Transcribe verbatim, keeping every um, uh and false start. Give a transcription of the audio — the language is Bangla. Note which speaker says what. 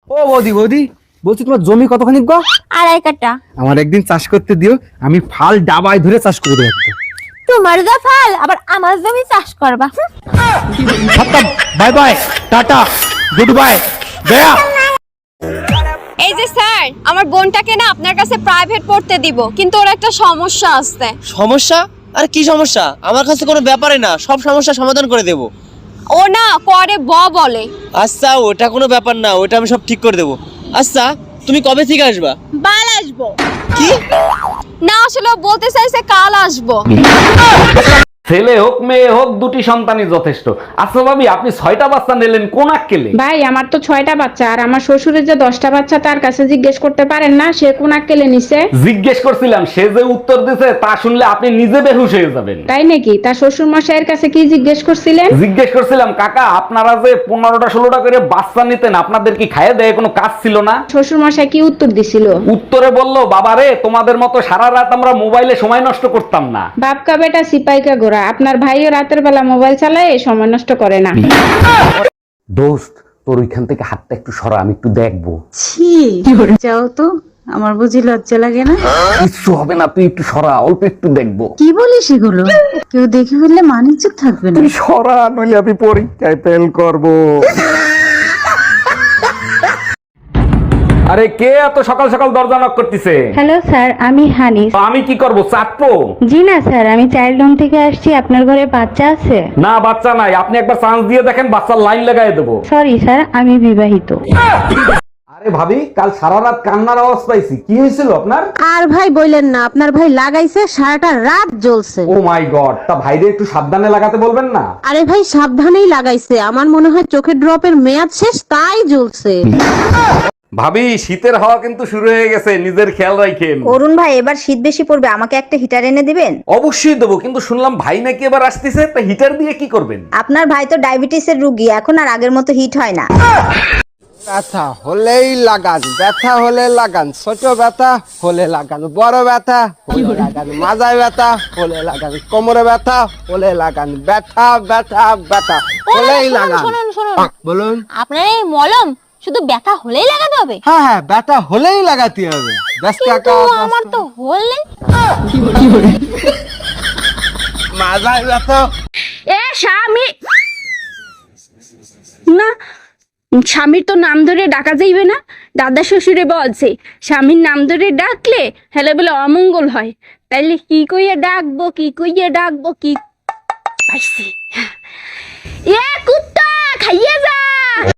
Speaker 1: ও বৌদি বৌদি বলছি তোমার জমি কতখানি গো?
Speaker 2: আড়াই কাটা।
Speaker 1: আমার একদিন চাষ করতে দিও, আমি ফাল ডাবায় ধরে চাষ করে দেবো।
Speaker 2: তোমার যা ফাল আবার আমার জমি চাষ করবা।
Speaker 1: Bye bye, tata, good bye, গয়া।
Speaker 3: এই যে স্যার, আমার বোনটাকে না আপনার কাছে প্রাইভেট পড়তে দিব, কিন্তু ওর একটা সমস্যা আছে।
Speaker 4: সমস্যা? আর কি সমস্যা? আমার কাছে কোনো ব্যাপারে না, সব সমস্যা সমাধান করে দেব।
Speaker 3: ও না করে ব বলে।
Speaker 4: আচ্ছা, ওটা কোনো ব্যাপার না, ওটা আমি সব ঠিক করে দেব। আচ্ছা, তুমি কবে থেকে আসবা?
Speaker 3: বাল আসবো।
Speaker 4: কি?
Speaker 3: না আসলে ও বলতে চাইছে কাল আসবো।
Speaker 5: ছেলে হোক মেয়ে হোক দুটি সন্তানই যথেষ্ট। আচ্ছা ভাবি, আপনি ছয়টা বাচ্চা নিলেন কোন আক্কেলে?
Speaker 6: ভাই আমার তো ছয়টা বাচ্চা, আর আমার শ্বশুরের যে দশটা বাচ্চা তার কাছে জিজ্ঞেস করতে পারেন না সে কোন আক্কেলে নিছে?
Speaker 5: জিজ্ঞেস করছিলাম, সে যে উত্তর দিছে তা শুনলে আপনি নিজে বেহুশ হয়ে যাবেন।
Speaker 6: তাই নাকি? তার শ্বশুর মশাইয়ের কাছে কি জিজ্ঞেস করছিলেন?
Speaker 5: জিজ্ঞেস করছিলাম, কাকা আপনারা যে পনেরোটা ষোলোটা করে বাচ্চা নিতেন, আপনাদের কি খাইয়ে দেয় কোনো কাজ ছিল না?
Speaker 6: শ্বশুর মশাই কি উত্তর দিছিল?
Speaker 5: উত্তরে বললো, বাবারে তোমাদের মতো সারা রাত আমরা মোবাইলে সময় নষ্ট করতাম না।
Speaker 6: বাপকা বেটা সিপাইকা গোরা, আপনার ভাইও রাতের বেলা মোবাইল চালায় সময় নষ্ট করে না।
Speaker 5: দোস্ত, তোর ওইখান থেকে হাতটা একটু সরা, আমি একটু দেখবো।
Speaker 7: ছি, যাও তো, আমার বুঝি লজ্জা লাগে না?
Speaker 5: কিচ্ছু হবে না, তুই একটু সরা, অল্প একটু দেখবো।
Speaker 7: কি বলিস এগুলো? কেউ দেখে ফেললে মানিজ্য থাকবে না।
Speaker 1: সরা, নইলে আমি পরীক্ষায় ফেল করব।
Speaker 5: আরে কে এত সকাল সকাল দরজা নক করতেছে?
Speaker 6: হ্যালো স্যার, আমি হানিস।
Speaker 5: আমি কি করব, চাপবো?
Speaker 6: জি না স্যার, আমি চাইল্ড হোম থেকে আসছি। আপনার ঘরে বাচ্চা আছে?
Speaker 5: না, বাচ্চা নাই। আপনি একবার চান্স দিয়ে দেখেন, বাচ্চার লাইন লাগাই দেবো।
Speaker 6: সরি স্যার, আমি বিবাহিত।
Speaker 5: আরে ভাবি, কাল সারা রাত কান্নার আওয়াজ পাইছি, কি হয়েছিল আপনার?
Speaker 7: আর ভাই বললেন না, আপনার ভাই লাগাইছে সারাটা রাত জ্বলছে।
Speaker 5: ও মাই গড, তা ভাইরে একটু সাবধানে লাগাতে বলবেন না?
Speaker 7: আরে ভাই সাবধানেই লাগাইছে, আমার মনে হয় চোখের ড্রপের মেয়াদ শেষ তাই জ্বলছে।
Speaker 5: ভাবি, শীতের হাওয়া কিন্তু শুরু হয়ে গেছে, নিজের খেয়াল রাখেন।
Speaker 2: অরুণ ভাই এবার শীত বেশি পড়বে, আমাকে একটা হিটার এনে দিবেন?
Speaker 5: অবশ্যই দেবো, কিন্তু শুনলাম ভাই নাকি এবার আসতেছে, তা হিটার দিয়ে কি করবেন?
Speaker 2: আপনার ভাই তো ডায়াবেটিসের রোগী, এখন আর আগের মতো হিট হয় না।
Speaker 8: ব্যথা হলেই লাগান, ব্যথা হলে লাগান, ছোট ব্যথা হলে লাগান, বড় ব্যথা হলে লাগান, মাজায় ব্যথা হলে লাগান, কোমরে ব্যথা হলে লাগান, ব্যথা ব্যথা ব্যথা হলেই লাগান।
Speaker 2: শুনুন শুনুন,
Speaker 8: বলুন।
Speaker 2: আপনার এই মলম শুধু ব্যথা হলেই লাগাতে হবে?
Speaker 8: হ্যাঁ হ্যাঁ, ব্যথা হলেই লাগাতে হবে। ব্যস্ত
Speaker 2: কিন্তু আমার তো হলে।
Speaker 8: মাজায় ব্যথা।
Speaker 6: এ স্বামী না, স্বামীর তো নাম ধরে ডাকা যাইবে না। দাদা শ্বশুরে বলছে স্বামীর নাম ধরে ডাকলে হেলে বলে অমঙ্গল হয়। তাইলে কি কইয়া ডাকবো, কি কইয়া ডাকবো, কি পাইছি? এ কুত্তা খাইয়ে যা।